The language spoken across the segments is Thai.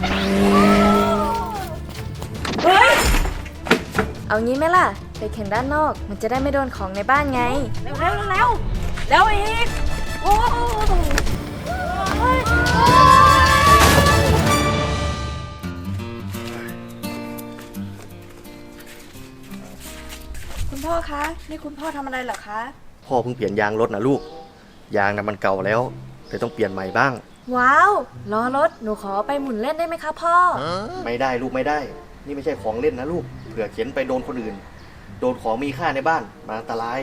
เฮ้ยเอางี้ไหมล่ะ ไปแข่งด้านนอกมันจะได้ไม่โดนของในบ้านไงเร็วแล้วอีกโอ้คุณพ่อคะนี่คุณพ่อทำอะไรเหรอคะพ่อเพิ่งเปลี่ยนยางรถนะลูกยางน่ะมันเก่าแล้วเลยต้องเปลี่ยนใหม่บ้างว้าวล้อรถหนูขอไปหมุนเล่นได้ไหมคะพ่อไม่ได้ลูกไม่ได้ นี่ไม่ใช่ของเล่นนะลูกเผื่อเข็นไปโดนคนอื่น โดนของมีค่าในบ้านมันอันตราย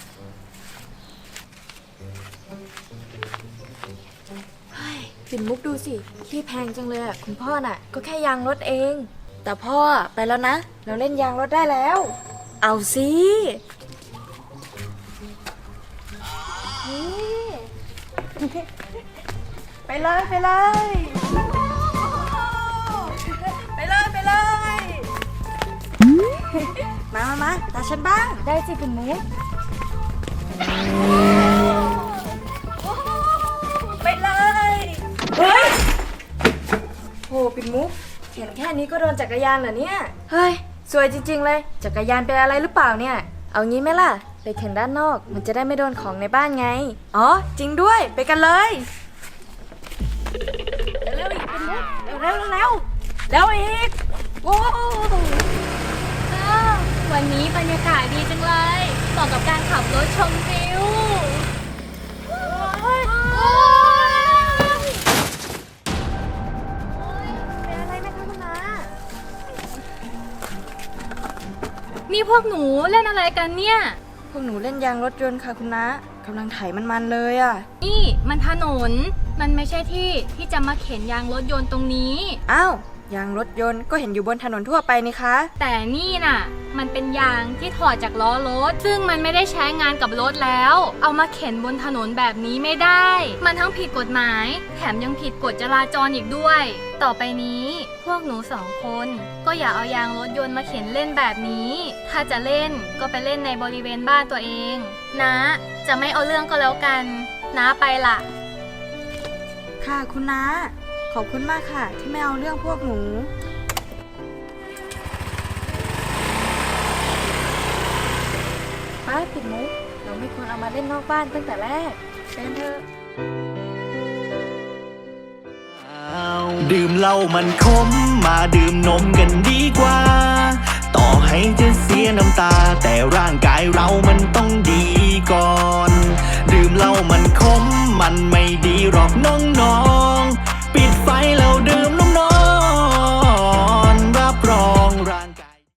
ปิ่นมุกดูสิที่แพงจังเลยอ่ะคุณพ่อน่ะก็แค่ยางรถเอง แต่พ่อไปแล้วนะ เราเล่นยางรถได้แล้ว เอาสินี่ไปเลยไปมาตาฉันบ้างได้สิปิ่นมุกไปเลยเฮ้ยโหปิ่นมุกเห็นแค่นี้ก็โดนจักรยานเหรอเนี่ยเฮ้ยสวยจริงๆเลยจักรยานเป็นอะไรหรือเปล่าเนี่ยเอางี้ไหมล่ะไปแข่งด้านนอกมันจะได้ไม่โดนของในบ้านไงอ๋อจริงด้วยไปกันเลยเร็วอีกเป็นมุกแล้วอีกโอ้วันนี้บรรยากาศดีจังเลยเหมาะกับการขับรถชมวิวเป็นอะไรไหมคะคุณน้านี่พวกหนูเล่นอะไรกันเนี่ยพวกหนูเล่นยางรถยนต์ค่ะคุณน้ากำลังไถมันๆเลยอ่ะนี่มันถนน มันไม่ใช่ที่ที่จะมาเข็นยางรถยนต์ตรงนี้อ้าวยางรถยนต์ก็เห็นอยู่บนถนนทั่วไปนี่คะแต่นี่น่ะ มันเป็นยางที่ถอดจากล้อรถ ซึ่งมันไม่ได้ใช้งานกับรถแล้ว เอามาเข็นบนถนนแบบนี้ไม่ได้ มันทั้งผิดกฎหมาย แถมยังผิดกฎจราจรอีกด้วย ต่อไปนี้พวกหนูสองคนก็อย่าเอายางรถยนต์มาเข็นเล่นแบบนี้ ถ้าจะเล่นก็ไปเล่นในบริเวณบ้านตัวเองนะจะไม่เอาเรื่องก็แล้วกันนะไปล่ะค่ะคุณน้าขอบคุณมากค่ะ ที่ไม่เอาเรื่องพวกหนูป้าปิดมุกเราไม่ควรเอามาเล่นนอกบ้านตั้งแต่แรกเชิญเถอะดื่มเหล้ามันขมมาดื่มนมกันดีกว่า ต่อให้จะเสียน้ำตา แต่ร่างกายเรามันต้องดีก่อน ดื่มเหล้ามันขมมันไม่ดีหรอกน้อง